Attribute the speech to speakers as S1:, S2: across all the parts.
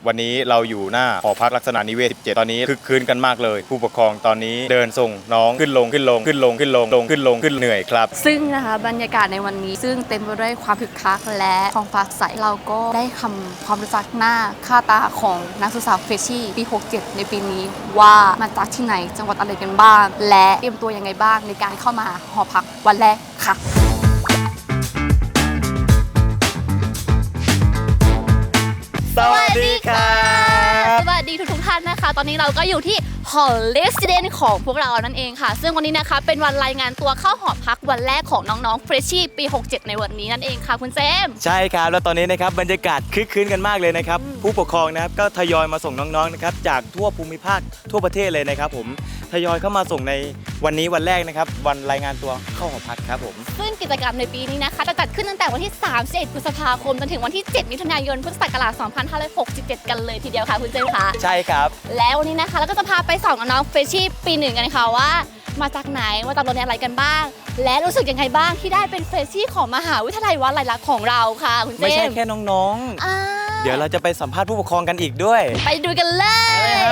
S1: วันนี้เราอยู่หน้าหอพักลักษณะนิเวศ 17 ตอนนี้คึกคืนกันมากเลยผู้ปกครองตอนนี้เดินส่งน้องขึ้นลงเหนื่อยครับ
S2: ซึ่งนะคะบรรยากาศในวันนี้ซึ่งเต็มไปด้วยความคึกคักและท้องฟ้าใสเราก็ได้ความรู้จักหน้าค่าตาของนักศึกษาเฟรชชี่ปี 67 ในปีนี้ว่ามาจากที่ไหนจังหวัดอะไรกันบ้างและเตรียมตัวยังไงบ้างในการเข้ามาหอพักวันแรกค่ะ
S1: สวัสดีครับ
S2: สวัสดีทุกท่านนะคะตอนนี้เราก็อยู่ที่หอเลสเดนของพวกเรานั่นเองค่ะซึ่งวันนี้นะคะเป็นวันรายงานตัวเข้าหอพักวันแรกของน้องๆเฟรชชี่ปี 67 ในวันนี้นั่นเองค่ะคุณเจม
S1: ใช่ครับแล้วตอนนี้นะครับบรรยากาศคึกคืนกันมากเลยนะครับผู้ปกครองนะครับก็ทยอยมาส่งน้องๆนะครับจากทั่วภูมิภาคทั่วประเทศเลยนะครับผมทยอยเข้ามาส่งในวันนี้วันแรกนะครับวันรายงานตัวเข้าหอพักครับผม
S2: ซึ่งกิจกรรมในปีนี้นะคะจะจัดขึ้นตั้งแต่วันที่31พฤษภาคมจนถึงวันที่7มิถุนายนพุทธศักราช2567กันเลยทีเดียวค่ะคุณเจมค่ะ
S1: ใช่ครับ
S2: แล้ววันนี้นะคะเราก็จะพาไปส่องน้องเฟรชชี่ปี 1กันค่ะว่ามาจากไหนมาจากโรงเรียนอะไรกันบ้างและรู้สึกยังไงบ้างที่ได้เป็นเฟรชชี่ของมหาวิทยาลัยวลัยลักษณ์ของเราค่ะคุณเจม
S1: ไม่ใช่แค่น้องๆเดี๋ยวเราจะไปสัมภาษณ์ผู้ปกครองกันอีกด้วย
S2: ไปดูกันเลย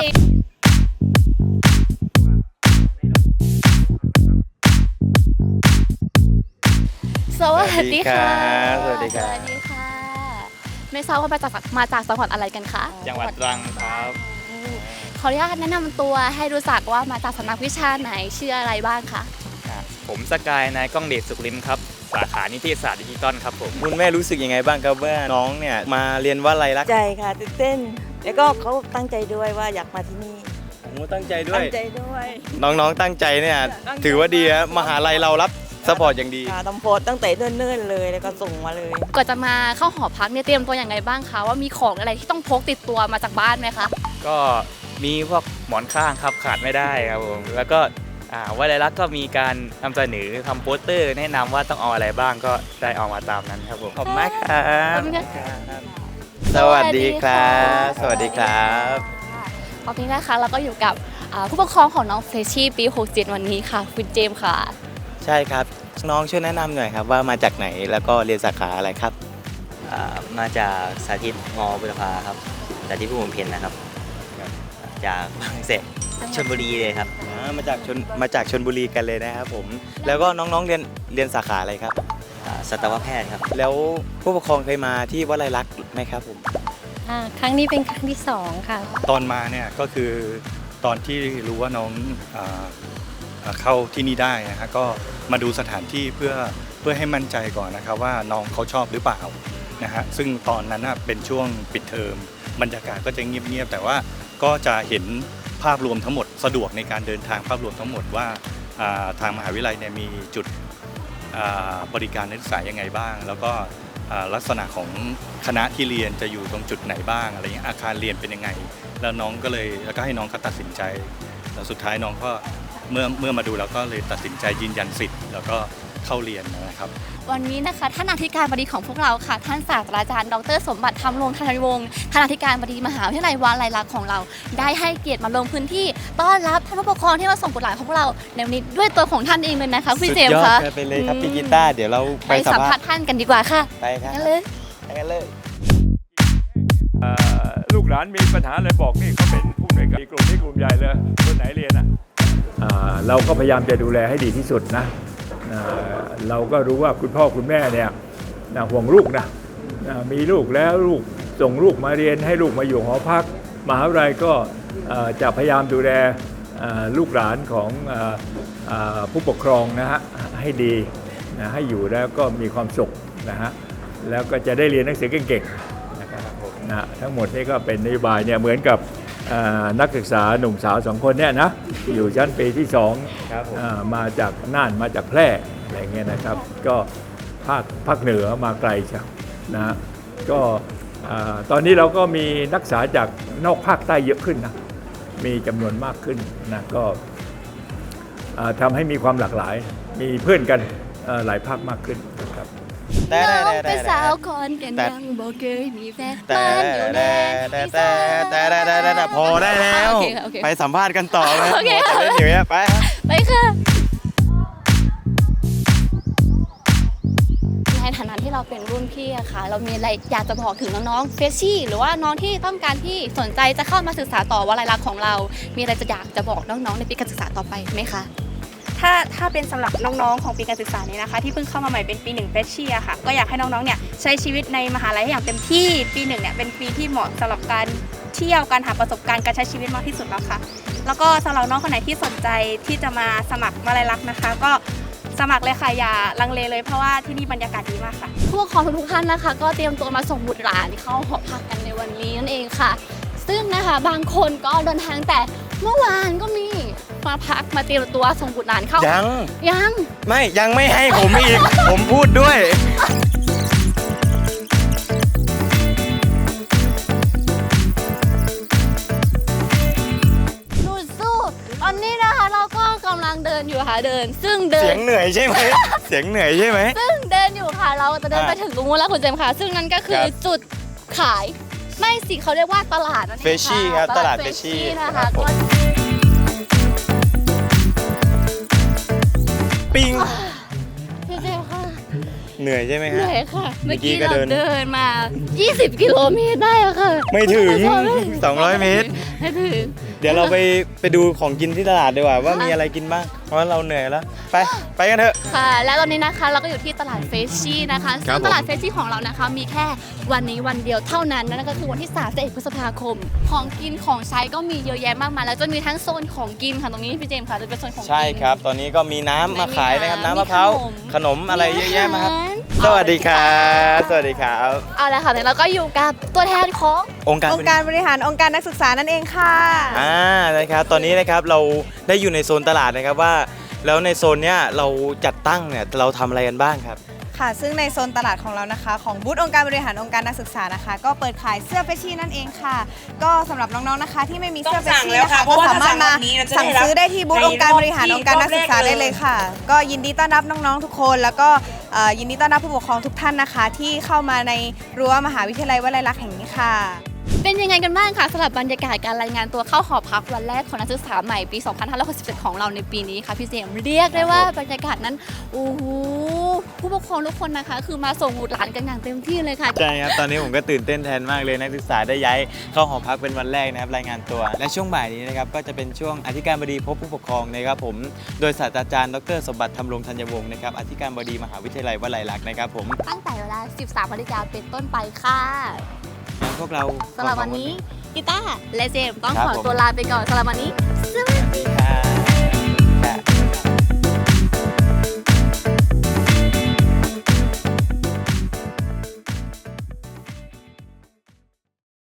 S2: สวัสดีค่ะ
S1: สวัสดีค่ะ
S2: ไม่ทราบว่ามาจากจังหวัดอะไรกันคะ
S1: จังหวัดตรังครับ
S2: ขออนุญาตแนะนำตัวให้รู้จักว่ามาจากสำนักวิชาไหนชื่ออะไรบ้างคะ
S3: ผมสกายนายก้องเดชสุขลิมครับสาขานิเทศศาสตร์ดิจิตอลครับผม
S1: คุณแม่รู้สึกยังไงบ้างครับว่าน้องเนี่ยมาเรียนวลัยลักษณ์
S4: ใจค่ะตื่นเต้นแล้วก็เขาตั้งใจด้วยว่าอยากมาที่นี่
S1: ผมตั้งใจด้วย
S4: น้
S1: องๆตั้งใจเนี่ยถือว่าดีครับมหาลัยเรารับซัพพอร์ตอย่างดี
S4: ทำโพสตั้งแต่เนิ่นๆเลยแล้วก็ส่งมาเลย
S2: ก่อนจะมาเข้าหอพักเนี่ยเตรียมตัวอย่างไรบ้างคะว่ามีของอะไรที่ต้องพกติดตัวมาจากบ้านไหมคะ
S3: ก็มีพวกหมอนข้างครับขาดไม่ได้ครับผมแล้วก็วลัยลักษณ์ก็มีการนำเสนอทำโปสเตอร์แนะนำว่าต้องเอาอะไรบ้างก็ได้เอามาตามนั้นครับผม
S1: ขอบคุณมากครับสวัสดีครับสวัสดีครับ
S2: ตอนนี้นะคะเราก็อยู่กับผู้ปกครองของน้องเฟรชชี่ปี 67 วันนี้ค่ะคุณเจมส์ค่ะ
S1: ใช่ครับน้องช่วยแนะนำหน่อยครับว่ามาจากไหนแล้วก็เรียนสาขาอะไรครับ
S5: มาจากสาธิตม.บุรพาครับสาธิตผู้บำเพ็ญนะครับจากบางแสนชลบุรีเลยครับ
S1: มาจากชลบุรีกันเลยนะครับผมแล้วก็น้องๆเรียนสาขาอะไรครับ
S5: สัตวแพทย์ครับ
S1: แล้วผู้ปกครองเคยมาที่วลัยลักษณ์ไหมครับผม
S6: ครั้งนี้เป็นครั้งที่2ค่ะ
S7: ตอนมาเนี่ยก็คือตอนที่รู้ว่าน้องเข้าที่นี่ได้นะฮะก็มาดูสถานที่เพื่อให้มั่นใจก่อนนะครับว่าน้องเขาชอบหรือเปล่านะฮะซึ่งตอนนั้นเป็นช่วงปิดเทอมบรรยากาศก็จะเงียบๆแต่ว่าก็จะเห็นภาพรวมทั้งหมดสะดวกในการเดินทางภาพรวมทั้งหมดว่าทางมหาวิทยาลัยเนี่ยมีจุดบริการนักศึกษายังไงบ้างแล้วก็ลักษณะของคณะที่เรียนจะอยู่ตรงจุดไหนบ้างอะไรเงี้ยอาคารเรียนเป็นยังไงแล้วน้องก็เลยแล้วก็ให้น้องเขาตัดสินใจแล้วสุดท้ายน้องก็เมื่อมาดูแล้วก็เลยตัดสินใจยืนยันสิทธิ์แล้วก็เข้าเรียนนะครับ
S2: วันนี้นะคะท่านอธิการบดีของพวกเราค่ะท่านศาสตราจารย์ดร.สมบัติธรรมรงค์ธนวงศ์ท่านอธิการบดีมหาวิทยาลัยวลัยลักษณ์ของเราได้ให้เกียรติมาลงพื้นที่ต้อนรับท่านผู้ปกครองที่มาส่งบุตรหลานของพวกเราในวันนี้ด้วยตัวของท่านเองเลยนะคะพี่เจมส์คะ
S1: สุดยอดไปเลยครับพี่กีตาร์เดี๋ยวเรา
S2: ไปสัมภาษณ์ท่านกันดีกว่าค่ะ
S1: ไปครับ
S2: กันเลย
S8: ลูกหลานมีปัญหาอะไรบอกนี่เขาเป็นผู้ในกลุ่มนี้กลุ่มใหญ่เลยคนไหนเรียนเราก็พยายามจะดูแลให้ดีที่สุดนะเราก็รู้ว่าคุณพ่อคุณแม่เนี่ยห่วงลูกนะมีลูกแล้วลูกส่งลูกมาเรียนให้ลูกมาอยู่หอพักมหาวิทยาลัยก็จะพยายามดูแลลูกหลานของผู้ปกครองนะฮะให้ดีนะให้อยู่แล้วก็มีความสุขนะฮะแล้วก็จะได้เรียนหนังสือเก่งๆนะครับนะทั้งหมดนี่ก็เป็นนโยบายเนี่ยเหมือนกับนักศึกษาหนุ่มสาว2คนเนี่ยนะอยู่ชั้นปีที่2มาจากน่านมาจากแพร่อะไรเงี้ยนะครับก็ภาคเหนือมาไกลใช่นะก็ตอนนี้เราก็มีนักศึกษาจากนอกภาคใต้เยอะขึ้นนะมีจำนวนมากขึ้นนะก็ทำให้มีความหลากหลายมีเพื่อนกันหลายภาคมากขึ้นนะครับ
S2: น้องเป็นสาวคนกันยังบอกเคยมีแฟนบ้านอยู่แดน
S1: แต่พอได้แล้วไปสัมภาษณ์กันต่อเลย
S2: โอเค
S1: เล่นอยู่เนี่ย
S2: ไปค่ะในฐานะที่เราเป็นรุ่นพี่พี่อะค่ะเรามีอะไรอยากจะบอกถึงน้องๆเฟชชี่หรือว่าน้องที่ต้องการที่สนใจจะเข้ามาศึกษาต่อวลัยลักษณ์ของเรา มีอะไรจะอยากจะบอกน้องๆในปีการศึกษาต่อไปไหมคะ
S9: ถ้าเป็นสำหรับน้องๆของปีการศึกษานี้นะคะที่เพิ่งเข้ามาใหม่เป็นปี1เฟชชี่อะค่ะก็อยากให้น้องๆเนี่ยใช้ชีวิตในมหาลัยให้อย่างเต็มที่ปี1เนี่ยเป็นปีที่เหมาะสำหรับการเที่ยวการหาประสบการณ์การใช้ชีวิตมากที่สุดแล้วค่ะแล้วก็สำหรับน้องคนไหนที่สนใจที่จะมาสมัครวลัยลักษณ์นะคะก็สมัครเลยค่ะอย่าลังเลเลยเพราะว่าที่นี่บรรยากาศดีมากค่ะ
S2: ผู้ปกครองทุกๆท่านนะคะก็เตรียมตัวมาส่งบุตรหลานเข้าหอพักกันในวันนี้นั่นเองค่ะ ซึ่งนะคะบางคนก็เดินทางแต่เมื่อวานก็มีมาพักมาเตรียมตัวส่งบุตรหลานเข้ายัง
S1: ยังไม่ให้ผมอีก ผมพูดด้วย
S2: สู้ๆตอนนี้นะคะเราก็กำลังเดินอยู่ค่ะซึ่งเดิ
S1: เสี
S2: น
S1: ยงเหนื่อยใช่ไหม เสียงเหนื่อยใช่ไหม
S2: ซึ่งเดินอยู่ค่ะเราจะเดินไปถึงตรงนู้นแล้วคุณเจมส์ค่ะ ซึ่งนั่นก็คือ
S1: ครับ
S2: จุดขายไม่สิเขาเรียกว่าตลาดนั่นเองค่ะ
S1: Freshie ครับตลาด
S2: Freshie
S1: Freshie
S2: นะ
S1: ครั
S2: คะ
S1: บผม ปิ้ง
S2: พี่เจมส์ค่ะ
S1: เหนื่อยใช่ไหม
S2: เห
S1: ฮะ
S2: นื่อยค่ะ
S1: เมื่
S2: เมื่
S1: อ
S2: อ
S1: กี้
S2: กี้
S1: ก็
S2: เรา
S1: เดิน
S2: เดินมา 20 กิโลเมตรได้อะค่ะ
S1: ไม่ถึง
S2: ไม่ถึง
S1: 200 เมตร
S2: ไม่ถึง
S1: เดี๋ยวเราไปดูของกินที่ตลาดดีกว่าว่ามีอะไรกินบ้าง เพราะว่าเราเหนื่อยแล้ว ไปกันเถอะ
S2: ค่ะ และตอนนี้นะคะเราก็อยู่ที่ตลาดเฟชชี่นะคะ
S1: ครั
S2: ซึ่
S1: บ
S2: ง
S1: ผม
S2: ตลาดเฟชชี่ของเรานะคะมีแค่วันนี้วันเดียวเท่านั้นนั่นก็คือวันที่31พฤษภาคม ของกินของใช้ก็มีเยอะแยะมากมายแล้วจะมีทั้งโซนของกินค่ะตรงนี้พี่เจมส์ค่ะจะเป็นโซนของกิน
S1: ใช่ครับ ตอนนี้ก็มีน้ำมาขายนะครับ น้ำมะพร้าว
S2: มี
S1: ขนมอะไรเยอะแยะมาครับ
S2: อาหาร
S1: สวัสดีครับ สวัสดีครับ
S2: เอาละค่ะเดี๋ยวเราก็อยู่กับตัวแทนของ
S1: องค์การ
S4: องค์การบริหารองค์การนักศึกษานั่นเองค่ะ
S1: นะครับ ตอนนี้นะครับเราได้อยู่ในโซนตลาดนะครับว่า แล้วในโซนเนี้ยเราจัดตั้งเนี่ยเราทำอะไรกันบ้างครับ
S4: ค่ะซึ่งในโซนตลาดของเรานะคะของบูธองค์การบริหารองค์การนักศึกษานะคะ ก็เปิดขายเสื้อเฟชชี่นั่นเองค่ะ ก็สำหรับน้องๆนะคะที่ไม่มีเสื้อเฟชชี่นะคะก็สามารถมาสั่งซื้อได้ที่บูธองค์การบริหารองค์การนักศึกษาได้เลยค่ะ ก็ยินดีต้อนรับน้องๆทุกคน แล้วก็ยินดีต้อนรับผู้ปกครองทุกท่านนะคะ ที่เข้ามาในรั้วมหาวิทยาลัยวลัยลักษณ์แห่งนี้ค่ะ
S2: เป็นยังไงกันบ้างคะสำหรับบรรยากาศการรายงานตัวเข้าหอพักวันแรกของนักศึกษาใหม่ปี 2567 ของเราในปีนี้ค่ะพี่เจมส์เรียกได้ว่าบรรยากาศนั้นโอ้โหผู้ปกครองทุกคนนะคะ คือมาส่งบุตรหลานกันอย่างเต็มที่เลยค่ะ
S1: ใช่ครับ ตอนนี้ผมก็ตื่นเต้นแทนมากเลยนักศึกษาได้ย้ายเข้าหอพักเป็นวันแรกนะครับรายงานตัว และช่วงบ่ายนี้นะครับก็จะเป็นช่วงอธิการบดีพบผู้ปกครองนะครับผมโดยศาสตราจารย์ดรสมบัติธรรมรงธัญวงศ์นะครับอธิการบดีมหาวิทยาลัยวลัยลักษณ์นะครับผม
S2: ตั้งแต่เวลา 13 นาฬิกาเป็นต้นไปค่ะ
S1: งั้นพวกเรา
S2: สำหรับวันนี้กีตาร์และเจมส์ต้อง
S1: ครับ
S2: ขอ
S1: ผม
S2: ตัวลาไปก่อนสำหรับวันนี้
S1: สวัสดีครับ